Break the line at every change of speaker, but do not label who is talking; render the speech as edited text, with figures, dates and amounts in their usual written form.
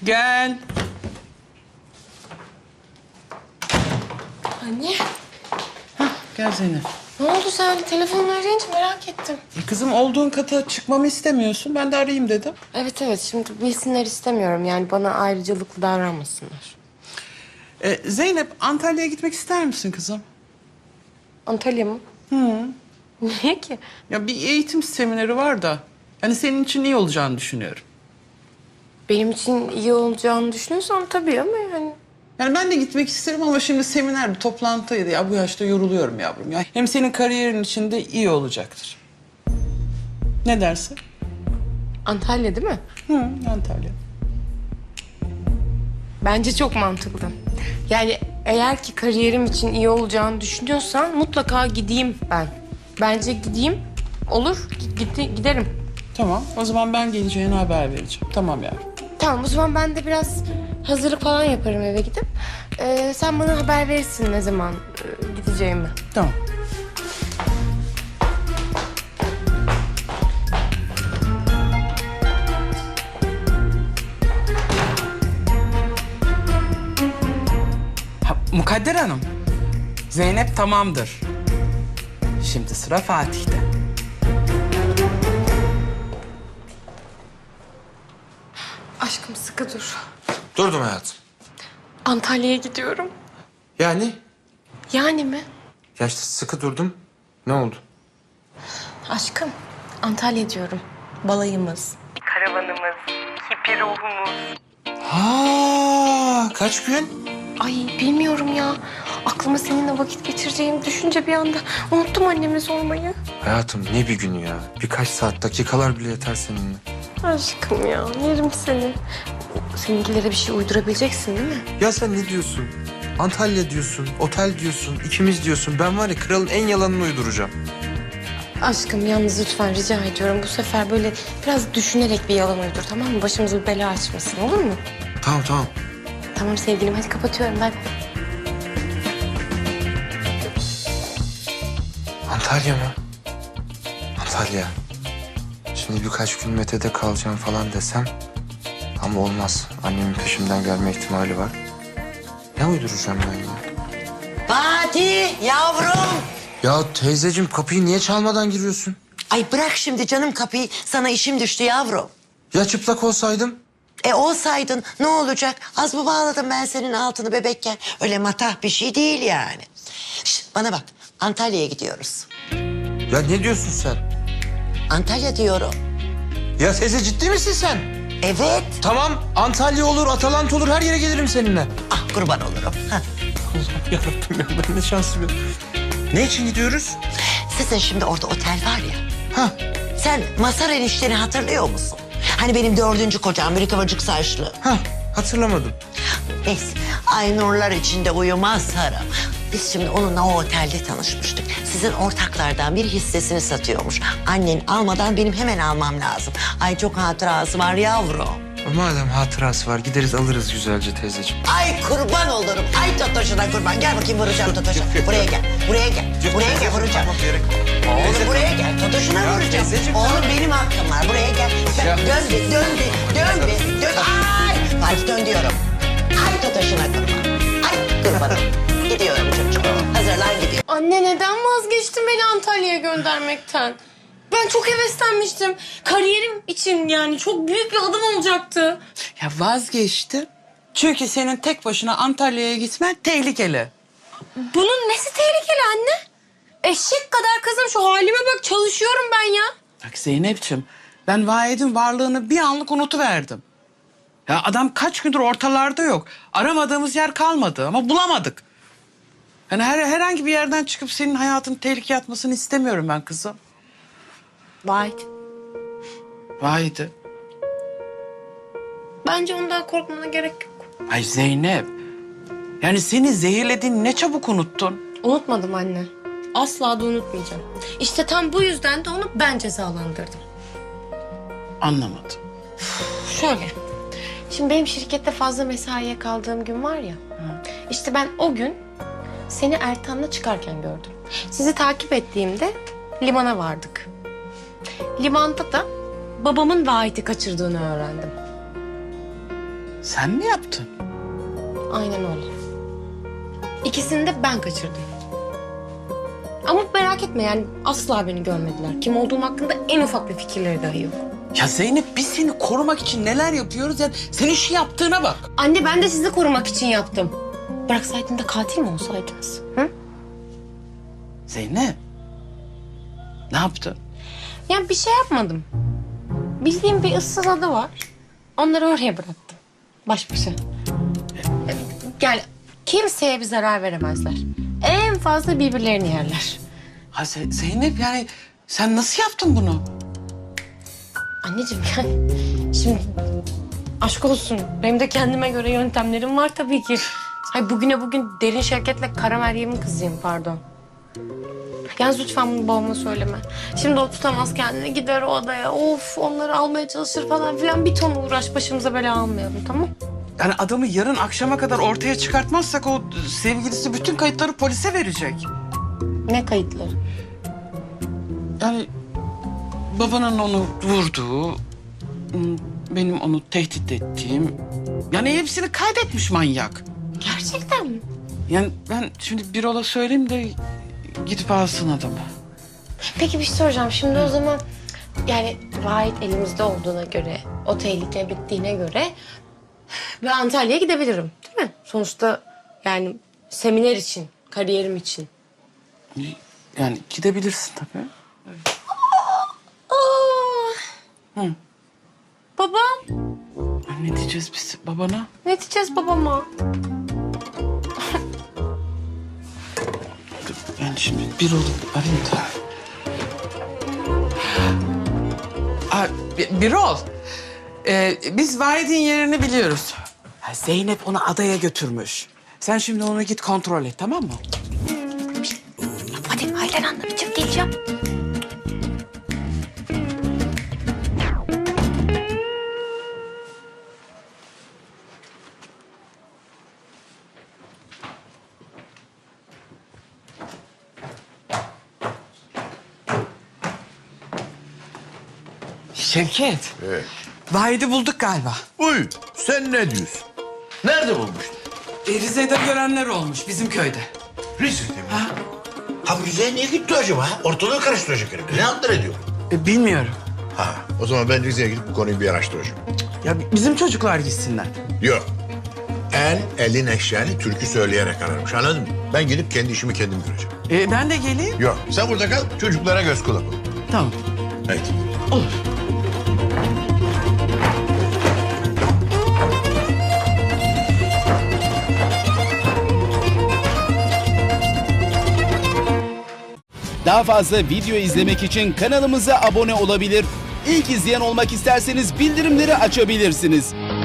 Gel.
Anne,
Gel Zeynep.
ne oldu sen? Telefonla arayınca merak ettim.
Kızım olduğun kata çıkmamı istemiyorsun. Ben de arayayım dedim.
Evet, şimdi bilsinler istemiyorum. Yani bana ayrıcalıklı davranmasınlar.
Zeynep, Antalya'ya gitmek ister misin kızım?
Antalya mı? Niye ki?
Ya bir eğitim semineri var da. Hani senin için iyi olacağını düşünüyorum.
Benim için iyi olacağını düşünüyorsan tabii ama yani...
Yani ben de gitmek isterim ama şimdi seminer bir toplantıydı ya. Bu yaşta yoruluyorum yavrum ya. Hem senin kariyerin için de iyi olacaktır. Ne dersin?
Antalya değil mi?
Antalya.
Bence çok mantıklı. Yani eğer ki kariyerim için iyi olacağını düşünüyorsan mutlaka gideyim ben. Bence gideyim. Olur, giderim.
Tamam, o zaman ben geleceğine haber vereceğim. Tamam yavrum.
Tamam, o zaman ben de biraz hazırlık falan yaparım eve gidip. Sen bana haber verirsin ne zaman gideceğimi.
Tamam. Mukadder Hanım, Zeynep tamamdır. Şimdi sıra Fatih'te.
Aşkım sıkı dur.
Durdum hayatım.
Antalya'ya gidiyorum.
Yani?
Yani mi?
Ya işte sıkı durdum. Ne oldu?
Aşkım, Antalya diyorum. Balayımız. Karavanımız, hippi ruhumuz.
Ha, kaç gün?
Ay bilmiyorum ya. Aklıma seninle vakit geçireceğimi düşünce bir anda unuttum anneme sormayı.
Hayatım ne bir günü ya. Birkaç saat, dakikalar bile yeter seninle.
Aşkım ya, yerim seni. Seninkilere bir şey uydurabileceksin değil mi?
Ya sen ne diyorsun? Antalya diyorsun, otel diyorsun, ikimiz diyorsun. Ben var ya kralın en yalanını uyduracağım.
Aşkım yalnız lütfen rica ediyorum. Bu sefer böyle biraz düşünerek bir yalan uydur, tamam mı? Başımıza bir bela açmasın, olur mu?
Tamam tamam.
Tamam sevgilim, hadi kapatıyorum. Bay bay.
Antalya mı? Antalya. Şimdi birkaç gün Mete'de kalacağım falan desem... Ama olmaz. Annemin peşimden gelme ihtimali var. Ne uyduracağım ben ya?
Fatih yavrum.
Ya teyzeciğim kapıyı niye çalmadan giriyorsun?
Ay bırak şimdi canım kapıyı. Sana işim düştü yavrum.
Ya çıplak olsaydım?
Olsaydın ne olacak? Az mı bağladım ben senin altını bebekken? Öyle matah bir şey değil yani. Şişt, bana bak. Antalya'ya gidiyoruz.
Ya ne diyorsun sen?
Antalya diyorum.
Ya teyze ciddi misin sen?
Evet.
Tamam Antalya olur, Atalanta olur her yere gelirim seninle.
Ah kurban olurum. Hah.
Yarabbim ya ben ne şanslıyım. Ne için gidiyoruz?
Sizin şimdi orada otel var ya.
Ha.
Sen Mazhar enişteni hatırlıyor musun? Hani benim 4. kocam, bir kıvırcık saçlı.
Ha hatırlamadım.
Neyse, ay nurlar içinde uyumaz Sarım. Biz şimdi onunla o otelde tanışmıştık. Sizin ortaklardan bir hissesini satıyormuş. Annen almadan benim hemen almam lazım. Ay çok hatırası var yavrum.
Madem hatırası var gideriz alırız güzelce teyzeciğim.
Ay kurban olurum. Ay Totoş'una kurban. Gel bakayım vuracağım Totoş'a. Buraya gel. Buraya gel. Buraya gel vuracağım. Oğlum buraya gel. Totoş'una vuracağım. Oğlum benim hakkım var. Buraya gel. Dön bir, dön bir, dön bir. Dön. Ay! Fatih dön diyorum. Ay Totoş'una kurban. Ay kurbanım. Gidiyorum çocuğum. Hazırlan gidiyorum.
Anne neden vazgeçtin beni Antalya'ya göndermekten? Ben çok heveslenmiştim. Kariyerim için yani çok büyük bir adım olacaktı.
Ya vazgeçtim. Çünkü senin tek başına Antalya'ya gitmen tehlikeli.
Bunun nesi tehlikeli anne? Eşek kadar kızım, şu halime bak, çalışıyorum ben ya.
Bak Zeynep'ciğim, ben Vahit'in varlığını bir anlık unutuverdim. Ya adam kaç gündür ortalarda yok. Aramadığımız yer kalmadı ama bulamadık. Yani herhangi bir yerden çıkıp senin hayatını tehlikeye atmasını istemiyorum ben kızım.
Vahit.
Vahit'i.
Bence ondan korkmana gerek yok.
Ay Zeynep. Yani seni zehirlediğini ne çabuk unuttun.
Unutmadım anne. Asla da unutmayacağım. İşte tam bu yüzden de onu ben cezalandırdım.
Anlamadım.
Şöyle. Şimdi benim şirkette fazla mesaiye kaldığım gün var ya. İşte ben o gün seni Ertan'la çıkarken gördüm. Sizi takip ettiğimde limana vardık. Limanda da babamın Vahit'i kaçırdığını öğrendim.
Sen mi yaptın?
Aynen öyle. İkisini de ben kaçırdım. Ama merak etme yani asla beni görmediler. Kim olduğum hakkında en ufak bir fikirleri dahi yok.
Ya Zeynep biz seni korumak için neler yapıyoruz ya senin şu yaptığına bak.
Anne ben de sizi korumak için yaptım. Bıraksaydım da katil mi olsaydınız? Hı?
Zeynep. Ne yaptın?
Yani bir şey yapmadım. Bildiğim bir ıssız ada var. Onları oraya bıraktım. Baş başa. Yani kimseye bir zarar veremezler. En fazla birbirlerini yerler.
Ha Zeynep yani sen nasıl yaptın bunu?
Anneciğim yani şimdi aşk olsun. Benim de kendime göre yöntemlerim var tabii ki. Ay bugüne bugün Derin Şevket'le Kara Meryem'in kızıyım pardon. Yalnız lütfen bunu babama söyleme. Şimdi o tutamaz kendini gider o odaya. Of onları almaya çalışır falan filan. Bir ton uğraş başımıza bela almayalım tamam?
Yani adamı yarın akşama kadar ortaya çıkartmazsak o sevgilisi bütün kayıtları polise verecek.
Ne kayıtları?
Yani babanın onu vurduğu, benim onu tehdit ettiğim... Yani hepsini kaydetmiş manyak.
Gerçekten mi?
Yani ben şimdi bir ola söyleyeyim de gidip alsın adamı.
Peki bir şey soracağım. Şimdi o zaman yani Vahit elimizde olduğuna göre, o tehlike bittiğine göre ben Antalya'ya gidebilirim değil mi? Sonuçta yani seminer için, kariyerim için.
Yani gidebilirsin tabii.
Aa!
Hı.
Babam,
Ya ne diyeceğiz biz babana?
ne diyeceğiz babama?
Ben şimdi bir olup arayayım da. Birol. Biz Vahit'in yerini biliyoruz. Ha, Zeynep onu adaya götürmüş. Sen şimdi onu git kontrol et tamam mı?
Hadi Ayten anlatacağım, geleceğim.
Şevket. Vahit'i bulduk galiba.
Uy, sen ne diyorsun? Nerede bulmuştun?
Rize'de görenler olmuş bizim köyde.
Rize'de mi? Ha bu Rize'ye niye gitti acaba? Ortalığı karıştıracak herif. Ne antlar ediyor?
Bilmiyorum.
Ha, o zaman ben Rize'ye gidip bu konuyu bir araştıracağım.
Ya bizim çocuklar gitsinler.
Yok. En elin eşeğini türkü söyleyerek ararmış, anladın mı? Ben gidip kendi işimi kendim göreceğim.
Ben de geleyim.
Yok, sen burada kal, çocuklara göz kulak ol.
Tamam.
Haydi.
Olur.
Daha fazla video izlemek için kanalımıza abone olabilir. İlk izleyen olmak isterseniz bildirimleri açabilirsiniz.